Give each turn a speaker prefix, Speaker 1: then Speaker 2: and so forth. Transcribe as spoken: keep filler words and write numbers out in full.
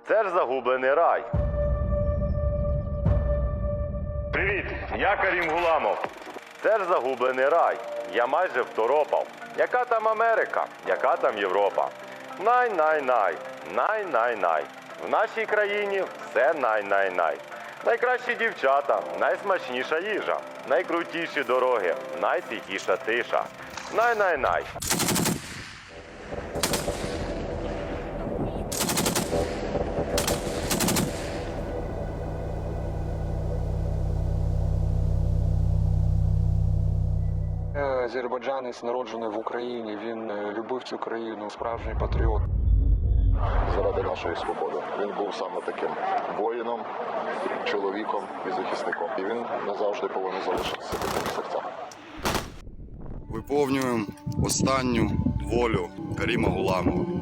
Speaker 1: Це ж загублений рай. Привіт, я Карім Гуламов. Це ж загублений рай. Я майже второпав. Яка там Америка? Яка там Європа? Най-най-най. Най-най-най. В нашій країні все най-най-най. Найкращі дівчата, найсмачніша їжа, найкрутіші дороги, найтихіша тиша. Най-най-най.
Speaker 2: Азербайджанець, народжений в Україні, він е, любив цю країну, справжній патріот.
Speaker 3: Заради нашої свободи. Він був саме таким воїном, чоловіком і захисником. І він назавжди повинен залишитися таким в серцях.
Speaker 4: Виповнюємо останню волю Каріма Гуламова.